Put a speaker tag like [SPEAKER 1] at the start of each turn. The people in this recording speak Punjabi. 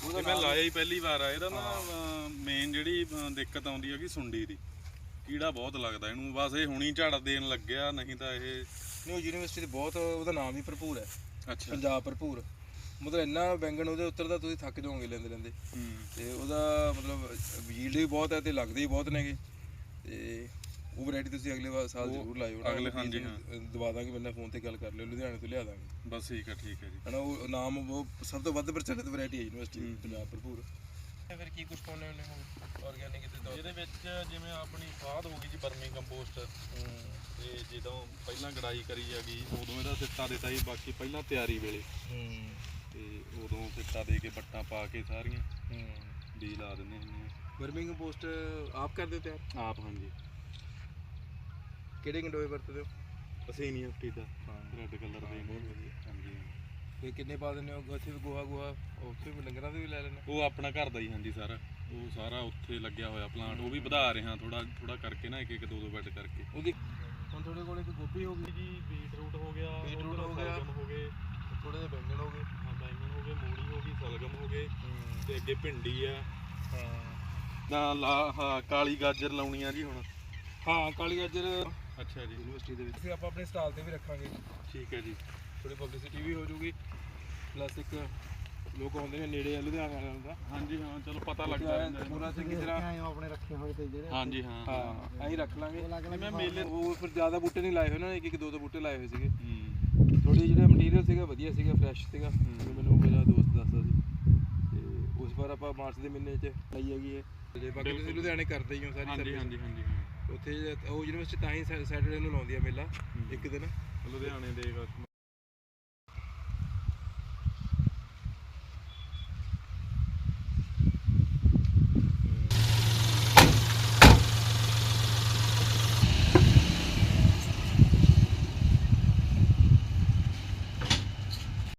[SPEAKER 1] ਉਹਦਾ ਮੈਂ ਲਾਇਆ ਹੀ ਪਹਿਲੀ ਵਾਰ ਆ। ਇਹਦਾ ਨਾ ਮੇਨ ਜਿਹੜੀ ਦਿੱਕਤ ਆਉਂਦੀ ਹੈ ਕਿ ਸੁੰਡੀ ਦੀ ਕੀੜਾ ਬਹੁਤ ਲੱਗਦਾ ਇਹਨੂੰ, ਬਸ ਇਹ ਹੁਣੀ ਝਾੜ ਦੇਣ ਲੱਗਿਆ, ਨਹੀਂ ਤਾਂ ਇਹ
[SPEAKER 2] ਨਹੀਂ। ਯੂਨੀਵਰਸਿਟੀ ਦੇ ਬਹੁਤ ਉਹਦਾ ਨਾਮ ਹੀ ਭਰਪੂਰ ਹੈ।
[SPEAKER 1] ਅੱਛਾ
[SPEAKER 2] ਪੰਜਾਬ ਭਰਪੂਰ, ਮਤਲਬ ਇੰਨਾ ਬੈਂਗਣ ਉਹਦੇ ਉੱਤਰ ਤੁਸੀਂ ਥੱਕ ਜਾਓਗੇ ਲੈਂਦੇ ਲੈਂਦੇ। ਤੇ ਉਹਦਾ ਮਤਲਬ ਯੀਲਡ ਵੀ ਬਹੁਤ ਹੈ ਤੇ ਲੱਗਦੇ ਵੀ ਬਹੁਤ ਨੇਗੇ। ਤੇ ਉਹ ਵੈਰਾਈਟੀ ਤੁਸੀਂ ਅਗਲੇ ਸਾਲ ਜ਼ਰੂਰ ਲਾਇਓ।
[SPEAKER 1] ਅਗਲੇ ਹਾਂਜੀ ਹਾਂ
[SPEAKER 2] ਦਵਾ ਦਾਂਗੇ, ਬੰਦਾ ਫੋਨ ਤੇ ਗੱਲ ਕਰ ਲਿਓ, ਲੁਧਿਆਣੇ ਤੋਂ ਲਿਆ ਦਾਂਗੇ।
[SPEAKER 1] ਬਸ ਠੀਕ ਹੈ ਜੀ।
[SPEAKER 2] ਹੈ ਨਾ, ਉਹ ਨਾਮ ਉਹ ਸਭ ਤੋਂ ਵੱਧ ਪ੍ਰਚਲਿਤ ਵੈਰਾਈਟੀ ਹੈ ਯੂਨੀਵਰਸਿਟੀ ਪੰਜਾਬ ਭਰਪੂਰ। ਫਿਰ ਕੀ ਕੁਝ ਪਾਉਂਦੇ ਹੁੰਦੇ ਹੋ ਆਰਗੈਨਿਕ ਦੇ ਤੌਰ?
[SPEAKER 1] ਇਹਦੇ ਵਿੱਚ ਜਿਵੇਂ ਆਪਣੀ ਖਾਦ ਹੋ ਗਈ ਜੀ, ਵਰਮੀ ਕੰਪੋਸਟ। ਤੇ ਜਦੋਂ ਪਹਿਲਾਂ ਗੜਾਈ ਕਰੀ ਹੈਗੀ ਉਦੋਂ ਇਹਦਾ ਸਿੱਟਾ ਦਿੱਤਾ ਜੀ, ਬਾਕੀ ਪਹਿਲਾਂ ਤਿਆਰੀ ਵੇਲੇ ਤੇ ਉਦੋਂ ਸਿੱਟਾ ਦੇ ਕੇ ਵੱਟਾਂ ਪਾ ਕੇ ਸਾਰੀਆਂ ਬੀਜ ਲਾ ਦਿੰਦੇ ਹੁੰਦੇ ਆ।
[SPEAKER 2] ਵਰਮੀ ਕੰਪੋਸਟ ਆਪ ਕਰਦੇ ਹੋ ਤਿਆਰ?
[SPEAKER 1] ਆਪ ਹਾਂਜੀ।
[SPEAKER 2] ਕਿਹੜੇ ਗੰਡੋਏ ਵਰਤਦੇ ਹੋ?
[SPEAKER 1] ਅਸੀਂ ਨਹੀਂ ਹਫਤੀ ਦਾ ਰੈੱਡ ਕਲਰ ਦੇ ਹਾਂਜੀ।
[SPEAKER 2] ਤੇ ਕਿੰਨੇ ਪਾ ਦਿੰਦੇ ਹੋ? ਉੱਥੇ ਵੀ ਗੋਹਾ ਉੱਥੇ ਵੀ ਡੰਗਰਾਂ ਦੇ ਵੀ ਲੈ ਲੈਂਦੇ?
[SPEAKER 1] ਉਹ ਆਪਣਾ ਘਰ ਦਾ ਹੀ ਹਾਂਜੀ ਸਾਰਾ, ਉਹ ਸਾਰਾ ਉੱਥੇ ਲੱਗਿਆ ਹੋਇਆ ਪਲਾਂਟ, ਉਹ ਵੀ ਵਧਾ ਰਹੇ ਹਾਂ ਥੋੜਾ ਕਰਕੇ ਨਾ, ਇੱਕ ਦੋ ਬੈੱਡ ਕਰਕੇ।
[SPEAKER 2] ਉਹਦੀ ਹੁਣ ਤੁਹਾਡੇ ਕੋਲ ਇੱਕ ਗੋਭੀ ਹੋ ਗਈ ਜੀ, ਬੀਟਰੂਟ ਹੋ ਗਿਆ,
[SPEAKER 1] ਸਲਗਮ ਹੋ ਗਏ,
[SPEAKER 2] ਥੋੜੇ ਜਿਹੇ ਬੈਂਗਣ ਹੋ ਗਏ,
[SPEAKER 1] ਬੈਂਗਣ ਹੋ ਗਏ, ਮੂਲੀ ਹੋ ਗਈ, ਸਲਗਮ ਹੋ ਗਏ, ਤੇ ਅੱਗੇ ਭਿੰਡੀ ਆ
[SPEAKER 2] ਹਾਂ।
[SPEAKER 1] ਕਾਲੀ ਗਾਜਰ ਲਾਉਣੀ ਆ ਜੀ ਹੁਣ।
[SPEAKER 2] ਹਾਂ ਕਾਲੀ ਗਾਜਰ।
[SPEAKER 1] ਅੱਛਾ ਜੀ।
[SPEAKER 2] ਯੂਨੀਵਰਸਿਟੀ ਦੇ ਵਿੱਚ ਅਸੀਂ ਆਪਾਂ ਆਪਣੇ ਸਟਾਲ ਤੇ ਵੀ ਰੱਖਾਂਗੇ।
[SPEAKER 1] ਠੀਕ ਹੈ ਜੀ।
[SPEAKER 2] ਥੋੜੀ ਪਬਲਿਸਿਟੀ ਵੀ ਹੋ ਜੂਗੀ, ਪਲੱਸ ਇੱਕ ਲੋਕ ਆਉਂਦੇ ਨੇ ਨੇੜੇ ਆ ਲੁਧਿਆਣਾ ਵਾਲਿਆਂ ਦਾ।
[SPEAKER 1] ਹਾਂਜੀ ਹਾਂ ਚਲੋ ਪਤਾ ਲੱਗਦਾ ਰਹਿੰਦਾ
[SPEAKER 2] ਪੂਰਾ ਚੰਗੀ ਤਰ੍ਹਾਂ
[SPEAKER 3] ਆਪਣੇ ਰੱਖੇ ਹੋਏ ਤੇ ਜਿਹੜੇ
[SPEAKER 1] ਹਾਂਜੀ ਹਾਂ
[SPEAKER 2] ਹਾਂ ਅਸੀਂ ਰੱਖ ਲਾਂਗੇ।
[SPEAKER 1] ਮੈਂ ਮੇਲੇ
[SPEAKER 2] ਉਹ ਫਿਰ ਜ਼ਿਆਦਾ ਬੂਟੇ ਨਹੀਂ ਲਾਏ ਹੋਏ ਨਾ, ਇੱਕ ਦੋ ਬੂਟੇ ਲਾਏ ਹੋਏ ਸੀਗੇ।
[SPEAKER 1] ਥੋੜੀ
[SPEAKER 2] ਜਿਹੜਾ ਮਟੀਰੀਅਲ ਸੀਗਾ ਵਧੀਆ ਸੀਗਾ, ਫਰੈਸ਼ ਸੀਗਾ, ਮੈਨੂੰ ਮੇਰਾ ਦੋਸਤ ਦੱਸਦਾ ਸੀ। ਤੇ ਉਸ ਵਾਰ ਆਪਾਂ ਮਾਰਚ ਦੇ ਮਹੀਨੇ 'ਚ ਲਈ ਹੈਗੀ ਹੈ। ਤੇ ਬਾਕੀ ਤੁਸੀਂ ਲੁਧਿਆਣੇ ਕਰਦੇ ਹੀ ਹੋ ਸਾਰੀ ਸਰਵਿਸ।
[SPEAKER 1] ਹਾਂਜੀ
[SPEAKER 2] ਉੱਥੇ ਉਹ ਯੂਨੀਵਰਸਿਟੀ ਤਾਂ ਹੀ ਸੈਟਰਡੇ ਨੂੰ ਲਾਉਂਦੀ ਆ ਮੇਲਾ ਇੱਕ ਦਿਨ।
[SPEAKER 1] ਲੁਧਿਆਣੇ ਦੇ